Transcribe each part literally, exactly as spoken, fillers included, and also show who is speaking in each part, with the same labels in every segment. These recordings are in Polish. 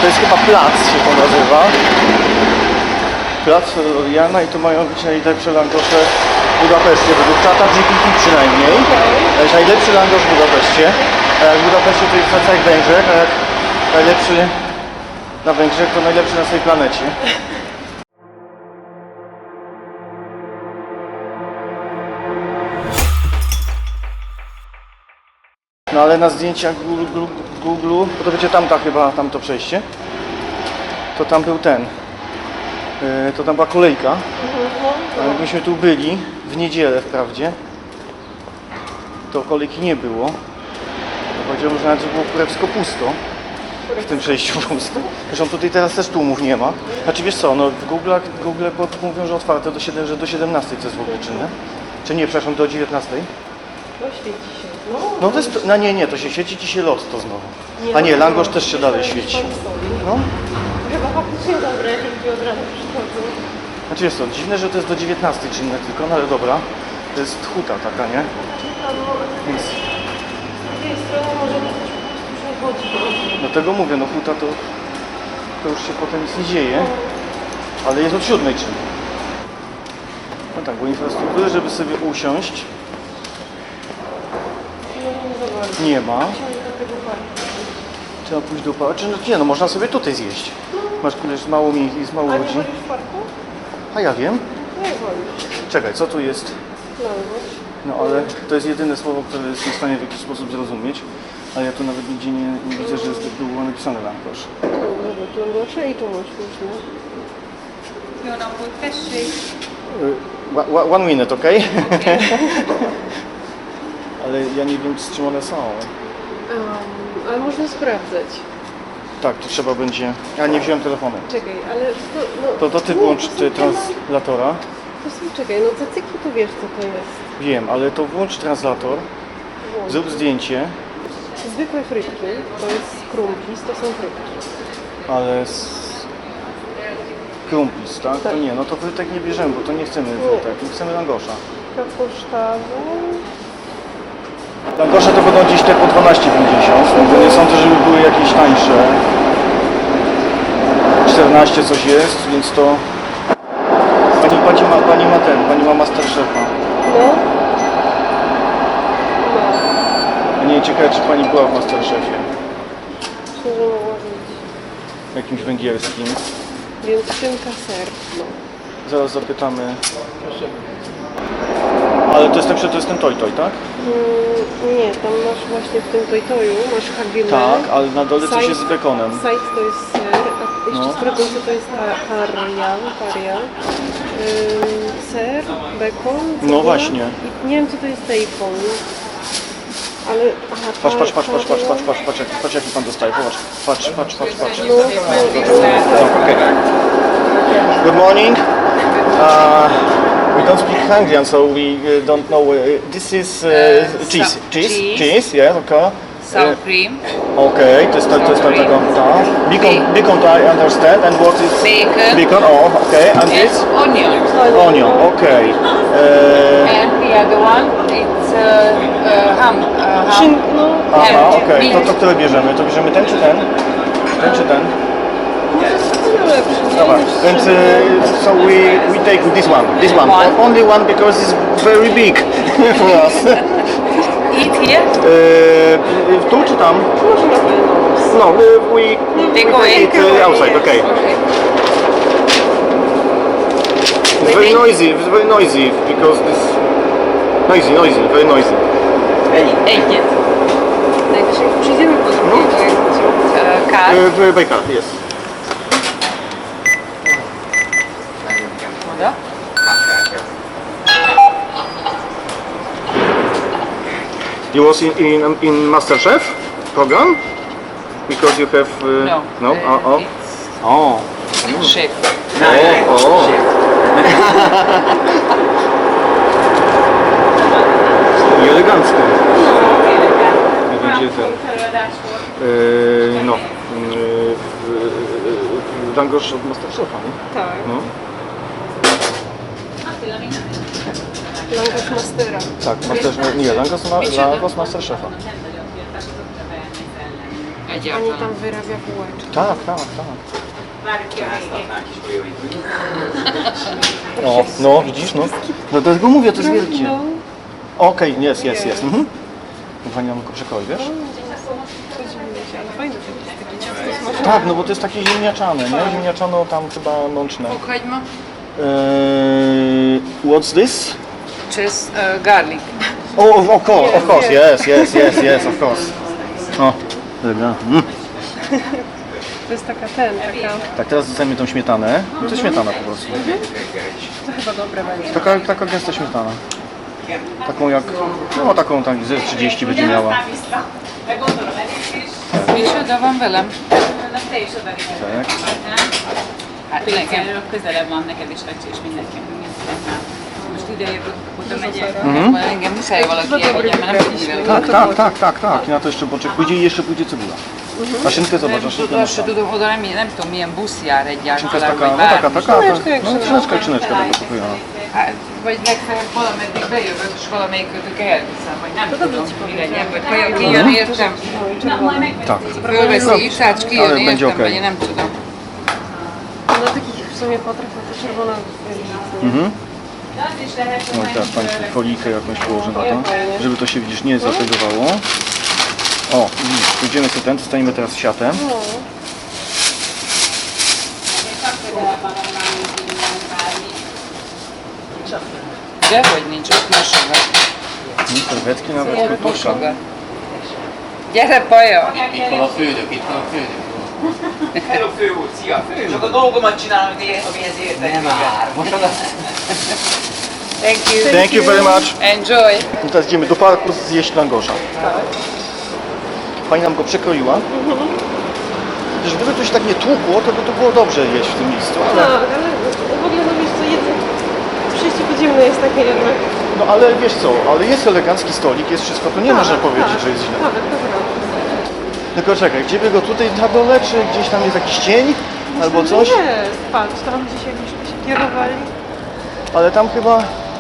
Speaker 1: To jest chyba plac, się to nazywa. Plac Jana i tu mają być najlepsze langosze w Budapeszcie, według Tata G P T przynajmniej. To jest najlepszy langosz w Budapeszcie. A jak w Budapeszcie to jest na całych Węgrzech, a jak najlepszy na Węgrzech to najlepszy na całej planecie. No ale na zdjęciach Google, Google, bo to będzie tamta chyba, tamto przejście, to tam był ten, yy, to tam była kolejka, a jakbyśmy tu byli, w niedzielę wprawdzie, to kolejki nie było. Powiedziałbym, że nawet było kurewsko pusto, w tym przejściu pusto. Zresztą tutaj teraz też tłumów nie ma. Znaczy wiesz co, no w Google, Google mówią, że otwarte do, siedem, że do siedemnastej, co jest w ogóle czynne. Czy nie, przepraszam, do dziewiętnastej.
Speaker 2: No świeci się. No,
Speaker 1: no to jest, no nie, nie, to się świeci ci się lot to znowu. A nie, langosz też się dalej świeci. No.
Speaker 2: Chyba faktycznie dobre, jeśli od razu przychodzą.
Speaker 1: Znaczy jest to dziwne, że to jest do dziewiętnastej czynne tylko, no ale dobra. To jest huta taka, nie? Więc...
Speaker 2: Z drugiej strony może to też po prostu już nie chodzi.
Speaker 1: Dlatego mówię, no huta to, to już się potem nic nie dzieje, ale jest od siódmej czynne. No tak, bo infrastruktury, żeby sobie usiąść, nie ma. Trzeba pójść do parku. Czy, nie, no można sobie tutaj zjeść. Masz jest mało miejsc, jest mało
Speaker 2: A nie
Speaker 1: ludzi.
Speaker 2: wolisz w parku?
Speaker 1: A ja wiem.
Speaker 2: Nie wolisz.
Speaker 1: Czekaj, co tu jest?
Speaker 2: Langosz.
Speaker 1: No ale to jest jedyne słowo, które jest w stanie w jakiś sposób zrozumieć. Ale ja tu nawet nigdzie nie, nie widzę, że jest, było napisane langosz.
Speaker 2: Dobra, langosze i czemuś różne.
Speaker 3: Fiona, mój
Speaker 1: Uh, one minute, ok? Ale ja nie wiem, z czym one są.
Speaker 2: Um, ale można sprawdzać.
Speaker 1: Tak, to trzeba będzie... Ja nie wziąłem telefonu.
Speaker 2: Czekaj, ale to... No,
Speaker 1: To, to ty
Speaker 2: nie,
Speaker 1: włącz
Speaker 2: to są
Speaker 1: ty
Speaker 2: temat-
Speaker 1: translatora.
Speaker 2: To są, czekaj, no cacyki to wiesz co to jest.
Speaker 1: Wiem, ale to włącz translator,
Speaker 2: Włącz.
Speaker 1: zrób zdjęcie,
Speaker 2: Zwykłe frytki, to jest krumpis, to są frytki.
Speaker 1: ale z... Krumpis, tak?
Speaker 2: Tak.
Speaker 1: To nie, no to frytek nie bierzemy, bo to nie chcemy frytek, nie chcemy langosza.
Speaker 2: Kapusztawy.
Speaker 1: Langosze to będą gdzieś te po dwanaście pięćdziesiąt, no bo nie sądzę, żeby były jakieś tańsze. czternaście coś jest, więc to... Pani, pani, ma, pani ma ten, pani ma Masterchefa.
Speaker 2: No. No.
Speaker 1: Nie, ciekawe, czy pani była w Masterchefie.
Speaker 2: Szczerze mogła być.
Speaker 1: Jakimś węgierskim.
Speaker 2: Więc szynka, ser. No.
Speaker 1: Zaraz zapytamy. Ale to jest ten, to jest ten toj toj, tak?
Speaker 2: Mm, nie, tam masz właśnie w tym tojtoju, masz hagile.
Speaker 1: Tak, ale na dole coś
Speaker 2: Side-
Speaker 1: jest z bekonem.
Speaker 2: Side to jest ser, a jeszcze
Speaker 1: No.
Speaker 2: z proguncy to jest ta- parian, parian. Ym, ser, bekon,
Speaker 1: No
Speaker 2: cebula
Speaker 1: właśnie.
Speaker 2: I nie wiem co to jest bacon. Ale... Aha,
Speaker 1: Patrz, patrz,
Speaker 2: par-
Speaker 1: patrz, patrz, patrz, patrz,
Speaker 2: parian.
Speaker 1: patrz, patrz, jaki, patrz jaki pan dostaje, popatrz. Patrz, patrz, patrz, patrz.
Speaker 2: No, no,
Speaker 1: Okay. Good morning. Uh, we don't speak Hungarian, so we uh, don't know. Uh, this is uh,
Speaker 3: Uh,
Speaker 1: cheese.
Speaker 3: so-
Speaker 1: cheese,
Speaker 3: cheese.
Speaker 1: cheese, yeah, okay.
Speaker 3: sour cream,
Speaker 1: Okay, to jest ta, to jest ta taka, ta. Beacon, beacon I understand, and what is...
Speaker 3: bacon,
Speaker 1: Beacon, oh, okay, and
Speaker 3: and
Speaker 1: this?
Speaker 3: onion.
Speaker 1: Onion, okay. Uh,
Speaker 3: And the other one, it's uh, uh, ham. Uh, ham.
Speaker 2: Szyn, no,
Speaker 1: aha,
Speaker 3: and
Speaker 1: okej, to,
Speaker 3: beef.
Speaker 1: to które bierzemy? To bierzemy ten czy ten? Ten czy ten?
Speaker 2: to lepszy, nie?
Speaker 1: Dobra,
Speaker 2: Niż
Speaker 1: więc
Speaker 2: szynka.
Speaker 1: uh, so we, we take this one, this one,
Speaker 3: One.
Speaker 1: only one because it's very big for us.
Speaker 3: Eat here.
Speaker 1: Uh, tu czy tam?
Speaker 2: Można wynos.
Speaker 1: No, we, we,
Speaker 3: Take
Speaker 1: we
Speaker 3: away.
Speaker 1: take it uh, outside, okay. It's very noisy, it's very noisy because this... Noisy, noisy, very noisy.
Speaker 3: Eat it.
Speaker 2: Najwyżej przyjdziemy po drugie, to jak
Speaker 3: Uh, car.
Speaker 1: Uh, w Baker, yes.
Speaker 3: Woda?
Speaker 1: You was in, in, in MasterChef program? Because you have... Uh,
Speaker 3: No.
Speaker 1: No?
Speaker 3: Uh,
Speaker 1: Oh, oh.
Speaker 3: It's
Speaker 1: Oh.
Speaker 3: chef.
Speaker 1: O, o. I elegancko. Jak będzie ten... Yy, no. Yy, Langosz od Masterchefa, nie?
Speaker 2: Tak.
Speaker 1: No.
Speaker 2: Langosz Mastera.
Speaker 1: Tak, Masterchef... Nie, Langosz, ma, Langosz Masterchefa.
Speaker 2: Pani tam wyrabia bułeczki.
Speaker 1: Tak, tak, tak. O, no widzisz, no. No dlatego mówię, to jest wielkie.
Speaker 2: No.
Speaker 1: Okej, jest, jest, jest. Mhm. Pani nam tylko przekoi, wiesz?
Speaker 2: Ale fajne to jest takie ciasto smażone.
Speaker 1: Tak, no bo to jest takie ziemniaczane, nie? Ziemniaczano tam chyba mączne.
Speaker 3: Fokhagymı.
Speaker 1: Eee, what's this?
Speaker 3: Cheese, uh, garlic.
Speaker 1: Oh, of course, of course, yes, yes, yes, yes, of course. O, dobra. Mm.
Speaker 2: To jest taka ten, taka...
Speaker 1: Tak, teraz dostajemy tą śmietanę. To jest śmietana po prostu.
Speaker 2: To chyba dobre będzie.
Speaker 1: Taka, taka gęsta śmietana. Taką jak, no taką tak ze trzydzieści będzie miała.
Speaker 3: Micsoda velem?
Speaker 1: Tak.
Speaker 3: Hát nekem közelebb van neked is, Racsi, és mindenki mindenkinek. Most ide jövök, oda megyek.
Speaker 1: Mhm.
Speaker 3: Engem muszáj valaki elvigyen, mert nem tudjuk vele.
Speaker 1: Tak, tak, tak, tak, tak. I na to jeszcze poczek pójdzie i jeszcze pójdzie cebula. A szynkę zobacz, a
Speaker 3: Nem,
Speaker 1: szynkę
Speaker 3: tudom, azt se
Speaker 1: nasza.
Speaker 3: tudom, oda nem, nem tudom milyen busz jár
Speaker 1: Szynka jest
Speaker 3: egyáltalán,
Speaker 1: taka,
Speaker 3: vagy
Speaker 1: no taka,
Speaker 3: bármi.
Speaker 1: taka,
Speaker 2: Szyneczka jak
Speaker 1: no
Speaker 2: szyneczka.
Speaker 1: szyneczka, szyneczka taka pokojona.
Speaker 3: Hát, vagy legfeljebb valameddig bejövök, és valamelyikötök elviszem, vagy nem tudom, mi legyen, vagy vajon kijön, értem?
Speaker 1: Tak.
Speaker 3: Fölveszi iszát, és kijön,
Speaker 1: Ale będzie
Speaker 3: értem,
Speaker 1: okej.
Speaker 3: vagy én nem tudom.
Speaker 2: Na takich w sumie potraw to czerwona jest.
Speaker 1: Mhm. No i teraz Pani tu folijkę jakąś położy na to, żeby to się widzisz nie zategowało. O, widzisz, pójdziemy sobie ten, dostaniemy teraz siatem.
Speaker 2: No.
Speaker 3: Dehogy nincs, ott mosogat.
Speaker 1: No, serwetki nawet,
Speaker 3: Ott
Speaker 1: kurtuszka.
Speaker 3: mosogat. Gyere, Paja!
Speaker 4: Itt van a fődök, itt van a fődök.
Speaker 5: Hello fő úr, szia! Csak a dolgomat csinálom, amihez értek.
Speaker 4: Nem már, mosogat.
Speaker 3: Thank you.
Speaker 1: Thank you very much.
Speaker 3: Enjoy.
Speaker 1: I teraz idziemy do parku zjeść langosza. Pani nam go przekroiła. Gdyż gdyby to się tak nie tłukło, to by to było dobrze jeść w tym miejscu.
Speaker 2: Tak,
Speaker 1: Ale,
Speaker 2: ale w ogóle no wiesz co, jedzenie, przejście podziemne jest takie jednak...
Speaker 1: no ale wiesz co, ale jest elegancki stolik, jest wszystko, to nie można powiedzieć, że jest źle.
Speaker 2: Tak, to prawda.
Speaker 1: Tylko czekaj, gdzie by go tutaj na dole, czy gdzieś tam jest jakiś cień? Albo coś?
Speaker 2: Nie, patrz, tam gdzieś jakbyśmy się kierowali.
Speaker 1: Ale tam chyba...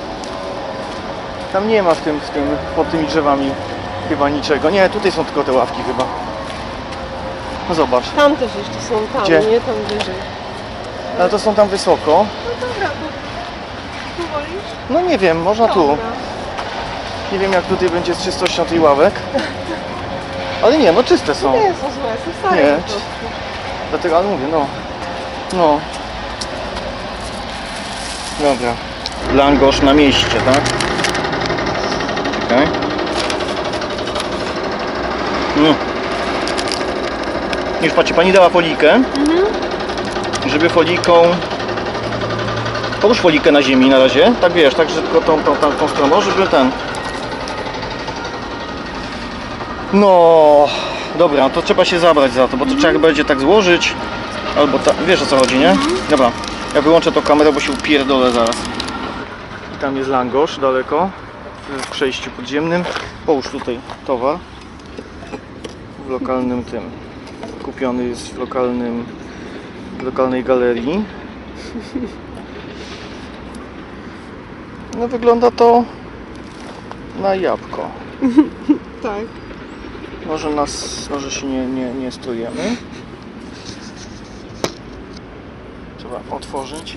Speaker 1: Tam nie ma w tym, w tym, pod tymi drzewami chyba niczego. Nie, tutaj są tylko te ławki chyba. No zobacz.
Speaker 2: Tam też jeszcze są, tam,
Speaker 1: Gdzie?
Speaker 2: nie? Tam wyżej.
Speaker 1: Ale to są tam wysoko.
Speaker 2: No dobra, to tu wolisz?
Speaker 1: No nie wiem, można tu.
Speaker 2: Dobra.
Speaker 1: Nie wiem jak tutaj będzie z czystością tych ławek. Ale nie, no czyste są.
Speaker 2: Nie są złe, są stare
Speaker 1: Nie.
Speaker 2: po prostu.
Speaker 1: Dlatego, ale mówię, no. No. Dobra. Langosz na mieście, tak? Czekaj. No. Już patrzcie, pani dała folijkę. Żeby folijką... Połóż folijkę na ziemi na razie. Tak wiesz, tak, że tylko tą, tą, tą, tą stroną, żeby ten... No, dobra, to trzeba się zabrać za to, bo to trzeba będzie tak złożyć, albo ta, wiesz o co chodzi, nie? Dobra, ja wyłączę tą kamerę, bo się upierdolę zaraz. I tam jest langosz daleko, w przejściu podziemnym. Połóż tutaj towar w lokalnym tym. Kupiony jest w lokalnym, w lokalnej galerii. No wygląda to na jabłko.
Speaker 2: Tak.
Speaker 1: Może nas, może się nie, nie, nie strujemy. Trzeba otworzyć.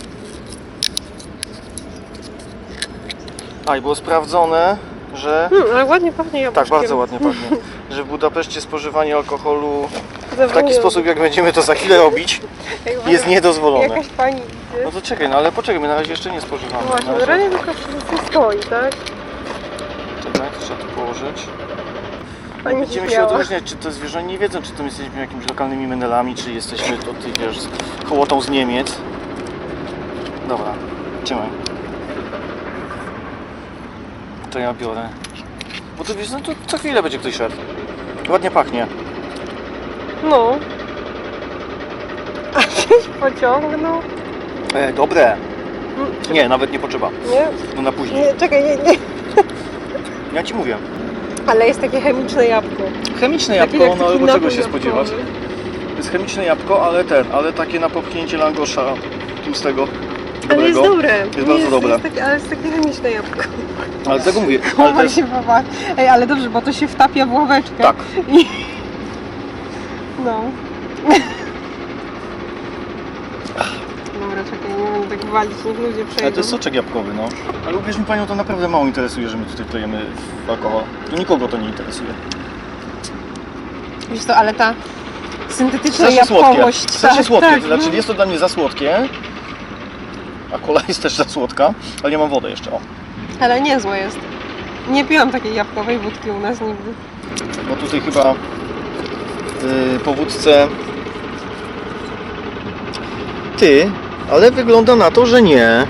Speaker 1: A i było sprawdzone, że...
Speaker 2: Hmm, ale ładnie pachnie jabłkiem.
Speaker 1: Tak, bardzo ładnie pachnie. Że w Budapeszcie spożywanie alkoholu w taki
Speaker 2: Zawodnie.
Speaker 1: sposób, jak będziemy to za chwilę robić,
Speaker 2: Jak
Speaker 1: jest niedozwolone.
Speaker 2: Jakaś pani idzie.
Speaker 1: No to czekaj, no ale poczekaj, my na razie jeszcze nie spożywamy.
Speaker 2: Właśnie,
Speaker 1: Na
Speaker 2: na
Speaker 1: razie-
Speaker 2: razie tylko wszystko stoi, tak?
Speaker 1: Czekaj, trzeba tu położyć.
Speaker 2: Pani
Speaker 1: Będziemy się
Speaker 2: śmiała.
Speaker 1: odróżniać, czy to zwierzę nie wiedzą, czy to my jesteśmy jakimiś lokalnymi menelami, czy jesteśmy tutaj, wiesz, z hołotą z Niemiec. Dobra, trzymaj. To ja biorę. Bo to wiesz, no to co chwilę będzie ktoś szedł. Ładnie pachnie.
Speaker 2: No. A żeś pociągnął?
Speaker 1: E, dobre. Nie, nawet nie potrzeba.
Speaker 2: Nie?
Speaker 1: No na później.
Speaker 2: Nie, czekaj, nie, nie.
Speaker 1: Ja ci mówię.
Speaker 2: Ale jest takie chemiczne jabłko.
Speaker 1: Chemiczne
Speaker 2: Takie
Speaker 1: jabłko,
Speaker 2: jak
Speaker 1: no ale
Speaker 2: taki
Speaker 1: bo czego
Speaker 2: napój
Speaker 1: się spodziewać?
Speaker 2: jabłkowy.
Speaker 1: To jest chemiczne jabłko, ale ten, ale takie na popchnięcie langosza tłustego.
Speaker 2: Ale jest
Speaker 1: dobrego.
Speaker 2: dobre.
Speaker 1: Jest bardzo dobre.
Speaker 2: Jest takie, ale jest takie chemiczne jabłko.
Speaker 1: Ale tego mówię, ale to
Speaker 2: Chowaj
Speaker 1: jest...
Speaker 2: się baba. Ej, ale dobrze, bo to się wtapia w ławeczkę.
Speaker 1: Tak.
Speaker 2: I No. Dobra, czekaj, nie będę tak walić, niech ludzie przejdą.
Speaker 1: Ale to jest soczek jabłkowy, no. Ale uwierz mi panią, to naprawdę mało interesuje, że my tutaj klejemy w alkohol. To nikogo to nie interesuje.
Speaker 2: Wiesz co, ale ta syntetyczna
Speaker 1: Strasznie słodkie.
Speaker 2: jabłkowość...
Speaker 1: Strasznie
Speaker 2: tak,
Speaker 1: słodkie.
Speaker 2: tak,
Speaker 1: To znaczy
Speaker 2: no.
Speaker 1: jest to dla mnie za słodkie. A kola jest też za słodka, ale nie mam wody jeszcze, o.
Speaker 2: Ale niezłe jest. Nie piłam takiej jabłkowej wódki u nas nigdy.
Speaker 1: Bo tutaj chyba yy, po wódce... Ty, ale wygląda na to, że nie.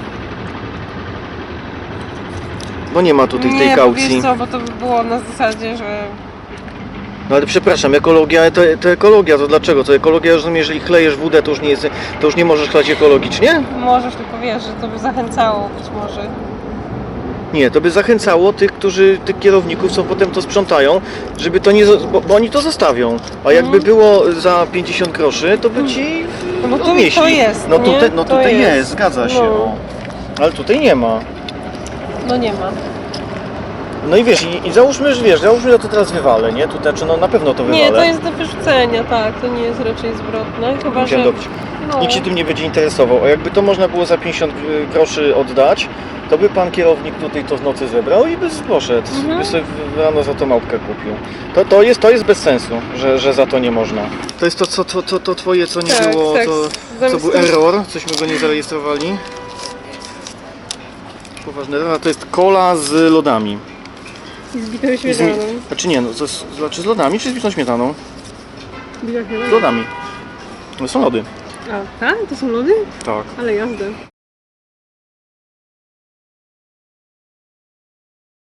Speaker 1: Bo nie ma tutaj tej
Speaker 2: nie,
Speaker 1: kaucji.
Speaker 2: Nie, wiesz co, bo to by było na zasadzie, że...
Speaker 1: No ale przepraszam, ekologia to, to ekologia, to dlaczego? To ekologia, rozumiem, jeżeli chlejesz wódę, to już nie jest, to już nie możesz chlać ekologicznie?
Speaker 2: Możesz, tylko wiesz, że to by zachęcało być może.
Speaker 1: Nie, to by zachęcało tych, którzy, tych kierowników, co potem to sprzątają, żeby to nie, zo- bo, bo oni to zostawią. A jakby było za pięćdziesiąt groszy, to by ci
Speaker 2: No bo tu
Speaker 1: odnieśli.
Speaker 2: to jest,
Speaker 1: No
Speaker 2: nie?
Speaker 1: tutaj, no
Speaker 2: To
Speaker 1: tutaj jest.
Speaker 2: jest.
Speaker 1: zgadza się.
Speaker 2: No.
Speaker 1: O. Ale tutaj nie ma.
Speaker 2: No nie ma.
Speaker 1: No i wiesz, i, i załóżmy, że wiesz, załóżmy, że to teraz wywalę, nie? Tu znaczy, no na pewno to wywalę.
Speaker 2: Nie, to jest do wyrzucenia, tak, to nie jest raczej zwrotne, chyba że...
Speaker 1: Musiałem dobić.
Speaker 2: No,
Speaker 1: Nikt się tym nie będzie interesował. A jakby to można było za pięćdziesiąt groszy oddać, to by pan kierownik tutaj to w nocy zebrał i by poszedł.
Speaker 2: Mhm.
Speaker 1: By sobie w- rano za to małpkę kupił. To, to, jest, to jest bez sensu, że, że za to nie można. To jest to, co, to, to, to twoje, co nie
Speaker 2: Tak,
Speaker 1: było,
Speaker 2: tak,
Speaker 1: to,
Speaker 2: zamiast
Speaker 1: co był
Speaker 2: tego-
Speaker 1: error, cośmy go nie zarejestrowali. Poważny error, a to jest cola z lodami.
Speaker 2: z bitą
Speaker 1: I z, mi-
Speaker 2: śmietaną.
Speaker 1: znaczy nie, no, to jest, znaczy z lodami czy z bitą śmietaną?
Speaker 2: Bita
Speaker 1: Z
Speaker 2: śmietana.
Speaker 1: lodami. To są lody.
Speaker 2: A, tak? To są lody?
Speaker 1: Tak.
Speaker 2: Ale jazda.